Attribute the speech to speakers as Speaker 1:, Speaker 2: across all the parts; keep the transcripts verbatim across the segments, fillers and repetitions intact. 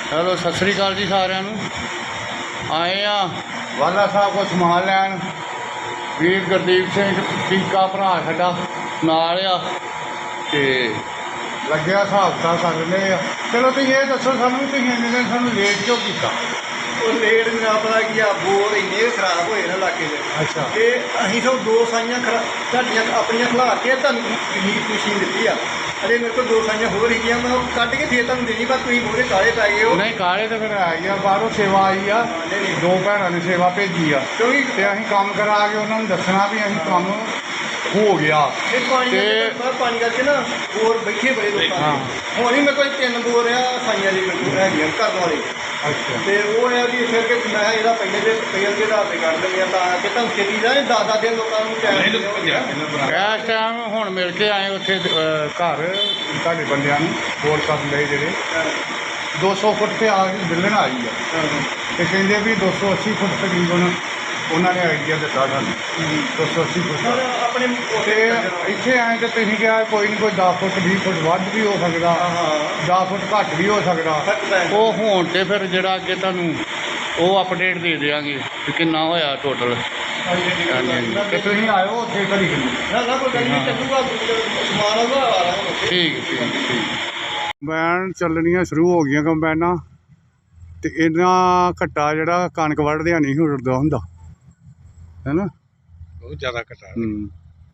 Speaker 1: Hello सत श्री अकाल जी सारिਆਂ ਨੂੰ। आए आ वाला साहब को समान लैन वीर गुरदीप सिंह टीका भरा साडा नाल आ ते लग्या हिसाब किताब कर रहे आ। चलो तुसीं ये दसो सानूं तुसीं इन्ने दिन सानूं लेट क्यों कीता?
Speaker 2: ਉਹ ਲੇਟ ਨਾ ਪਤਾ ਕੀ ਆ ਬੋਰ ਇੰਨੇ ਖਰਾਬ ਹੋਏ ਨਾ ਇਲਾਕੇ ਦੇ।
Speaker 1: ਅੱਛਾ
Speaker 2: ਤੇ ਅਸੀਂ ਸਭ ਦੋ ਸਾਈਆਂ ਖਰਾ ਤੁਹਾਡੀਆਂ ਆਪਣੀਆਂ ਖਿਲਾ ਕੇ ਤੁਹਾਨੂੰ ਮਸ਼ੀਨ ਦਿੱਤੀ ਆ। ਅਜੇ ਮੇਰੇ ਕੋਲ ਦੋ ਸਾਈਆਂ ਹੋਰ ਹੈਗੀਆਂ ਮੈਂ ਉਹ ਕੱਢ ਕੇ ਫੇਰ ਤੁਹਾਨੂੰ ਦੇਣੀ ਪਰ ਤੁਸੀਂ ਮੂਹਰੇ ਕਾਲੇ ਪੈ ਗਏ ਹੋ।
Speaker 1: नहीं काले तो फिर आई आ बाहरों सेवा आई आ दो भैनों ने सेवा भेजी आ
Speaker 2: ਕਿਉਂਕਿ
Speaker 1: ते असीं काम करा के उन्होंने दसना भी असीं काम हो गया।
Speaker 2: ਇਹ ਪਾਣੀ
Speaker 1: ਤੇ-
Speaker 2: ਕਰਕੇ ਪਾਣੀ ਕਰਕੇ ਨਾ ਬੋਰ ਬੈਠੇ ਬੜੇ ਲੋਕਾਂ
Speaker 1: ਹਾਂ।
Speaker 2: ਦੇ ਹੁਣ ਹੀ ਮੇਰੇ ਕੋਲ ਤਿੰਨ ਬੋਰ ਆ ਸਾਈਆਂ ਦੀ ਮੇਰੇ ਕੋਲ ਹੈਗੀਆਂ ਘਰ ਵਾਲੇ।
Speaker 1: अच्छा
Speaker 2: ਤੇ ਉਹ ਹੈ ਕਿ ਫਿਰ ਕਿ ਮੈਂ ਇਹਦਾ ਪਹਿਲੇ ਦੇ ਪਹਿਲੇ ਦੇ ਆਧਾਰ ਤੇ ਕੱਢ ਦਿੰਦੇ ਆ ਤਾਂ ਕਿ ਤੁਹਾਨੂੰ ਛੇਤੀ ਦਾ ਦਸ ਦਸ ਦਿਨ ਲੋਕਾਂ ਨੂੰ ਟਾਈਮ
Speaker 1: ਇਸ ਟਾਈਮ ਹੁਣ ਮਿਲ ਕੇ ਆਏ ਉੱਥੇ ਅਹ, ਘਰ ਤੁਹਾਡੇ ਬੰਦਿਆਂ ਨੂੰ ਹੋਰ ਕਰਨ ਲਈ ਜਿਹੜੇ ਦੋ ਸੌ ਫੁੱਟ ਤੇ ਆ ਕੇ ਮਿਲਣ ਆਈ ਆ ਤੇ ਕਹਿੰਦੇ ਵੀ ਦੋ ਸੌ ਅੱਸੀ ਫੁੱਟ ਤਕਰੀਬਨ ਉਹਨਾਂ ਨੇ ਆਈਡੀਆ ਦਿੱਤਾ ਸਾਨੂੰ ਦੋ ਸੌ ਅੱਸੀ ਫੁੱਟ
Speaker 2: ਹੁਣ ਆਪਣੇ
Speaker 1: ਤੇ ਇੱਥੇ ਆਏ ਤੇ ਤੁਸੀਂ ਕਿਹਾ ਕੋਈ ਨਹੀਂ ਕੋਈ ਦਸ ਫੁੱਟ ਵੀਹ ਫੁੱਟ ਵੱਧ ਵੀ ਹੋ ਸਕਦਾ
Speaker 2: ਹਾਂ
Speaker 1: ਦਸ ਫੁੱਟ ਘੱਟ ਵੀ ਹੋ ਸਕਦਾ।
Speaker 2: ਫਰਕ ਪੈ ਜਾਂਦਾ।
Speaker 1: ਉਹ ਹੋਣ ਤੇ ਫਿਰ ਜਿਹੜਾ ਅੱਗੇ ਤੁਹਾਨੂੰ ਉਹ ਅਪਡੇਟ ਦੇ ਦਿਆਂਗੇ ਕਿ ਕਿੰਨਾ ਹੋਇਆ ਟੋਟਲ। ਤੇ ਤੁਸੀਂ ਆਇਓ ਉੱਥੇ ਘੜੀ ਕਿੰਨੀ
Speaker 2: ਨਾ ਨਾ ਕੋਈ ਗੱਲ ਨਹੀਂ ਚੱਲੂਗਾ ਸਮਾਨ ਆਊਗਾ ਆ ਰਹਾ
Speaker 1: ਠੀਕ ਠੀਕ ਠੀਕ। ਕੰਬਾਈਨ ਚੱਲਣੀਆਂ ਸ਼ੁਰੂ ਹੋ ਗਈਆਂ ਕੰਬਾਈਨਾਂ ਤੇ ਇਹਨਾਂ ਘੱਟਾ ਜਿਹੜਾ ਕਣਕ ਵੱਢਦਿਆਂ ਨਹੀਂ ਉੱਡਦਾ ਹੁੰਦਾ ਹੈ ਨਾ
Speaker 3: ਬਹੁਤ ਜ਼ਿਆਦਾ ਘਟਾ
Speaker 1: ਹੂੰ।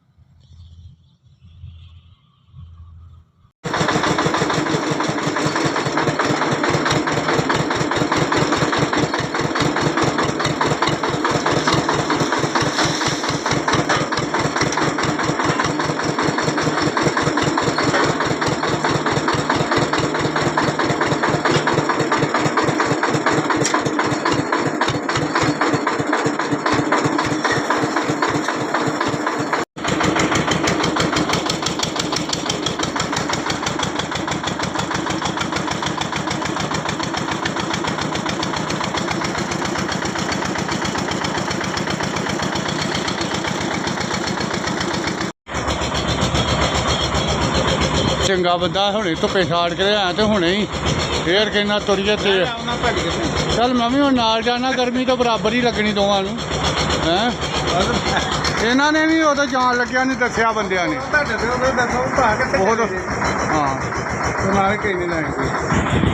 Speaker 1: ਚੰਗਾ ਬੰਦਾ ਹੁਣੇ ਧੁੱਪੇ ਛਾੜ ਕੇ ਆਇਆ ਤੇ ਹੁਣੇ ਹੀ ਫੇਰ ਕਹਿੰਦਾ ਤੁਰੀਏ ਤੇ ਚੱਲ ਮੈਂ ਵੀ ਹੁਣ ਨਾਲ ਜਾਣਾ ਗਰਮੀ ਤੋਂ ਬਰਾਬਰ ਹੀ ਲੱਗਣੀ ਦੋਵਾਂ ਨੂੰ ਹੈਂ ਇਹਨਾਂ ਨੇ ਵੀ ਉਦੋਂ ਜਾਣ ਲੱਗਿਆ ਨਹੀਂ ਦੱਸਿਆ ਬੰਦਿਆਂ ਨੇ
Speaker 2: ਤੁਹਾਡੇ ਤੇ ਉਹ ਦੱਸੋ ਭਾ ਕਿੱਥੇ
Speaker 1: ਬਹੁਤ
Speaker 2: ਚੱਲੇ ਜੇ?
Speaker 1: ਹਾਂ
Speaker 2: ਤੇ ਨਾਲੇ ਕਹੀ ਨਹੀਂ ਲੈਣੀ ਕੋਈ